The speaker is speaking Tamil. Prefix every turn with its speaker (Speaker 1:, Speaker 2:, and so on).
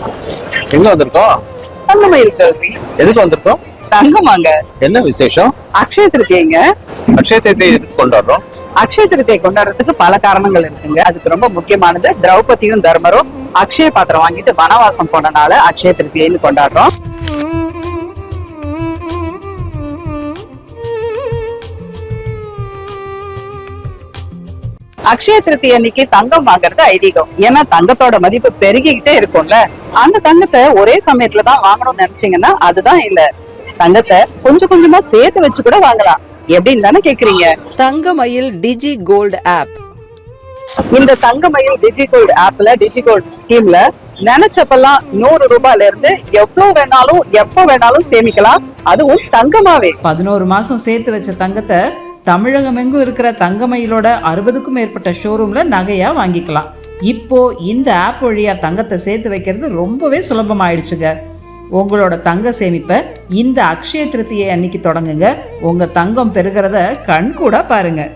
Speaker 1: எங்க வந்திருக்கோம்?
Speaker 2: தங்கமயில் ஜுவல்லரி.
Speaker 1: எதுக்கு வந்திருக்கோம்?
Speaker 2: தங்கமாங்க.
Speaker 1: என்ன விசேஷம்?
Speaker 2: அக்ஷய திருத்தியைங்க.
Speaker 1: அக்ஷய திருத்தியை எதுக்கு கொண்டாடுறோம்?
Speaker 2: அக்ஷய திருத்தியை கொண்டாடுறதுக்கு பல காரணங்கள் இருக்குங்க. அதுக்கு ரொம்ப முக்கியமானது திரௌபதியும் தர்மரும் அக்ஷய பாத்திரம் வாங்கிட்டு வனவாசம் போனனால அக்ஷய திருத்தியைன்னு கொண்டாடுறோம். அக்ஷய திருத்தி அன்னைக்கு தங்கம் வாங்குறது ஐதீகம். ஏன்னா தங்கத்தோட மதிப்பு பெருகிக்கிட்டே இருக்கும்ல. அந்த தங்கத்தை ஒரே சமயத்துலதான் வாங்கணும்னு நினைச்சீங்கன்னா அதுதான் இல்ல. தங்கத்தை கொஞ்சம் கொஞ்சமா சேர்த்து வச்சு கூட வாங்கலாம். எப்படின்னு தானே கேக்குறீங்க?
Speaker 3: Thangamayil digi gold app.
Speaker 2: இந்த தங்கமயில் டிஜி கோல்டு ஆப்ல, டிஜி கோல்டு ஸ்கீம்ல நினைச்சப்பெல்லாம் 100 ரூபாயில இருந்து எவ்வளவு வேணாலும் எப்ப வேணாலும் சேமிக்கலாம். அதுவும் தங்கமாவே.
Speaker 3: 11 மாசம் சேர்த்து வச்ச தங்கத்தை தமிழகம் எங்கும் இருக்கிற தங்கமயிலோட 60க்கும் மேற்பட்ட ஷோரூம்ல நகையா வாங்கிக்கலாம். இப்போ இந்த ஆப் வழியா தங்கத்தை சேர்த்து வைக்கிறது ரொம்பவே சுலபமாயிடுச்சுங்க. உங்களோட தங்க சேமிப்பை இந்த அக்ஷய திருத்தியை அன்னைக்கு தொடங்குங்க. உங்க தங்கம் பெருகிறத கண் கூட பாருங்க.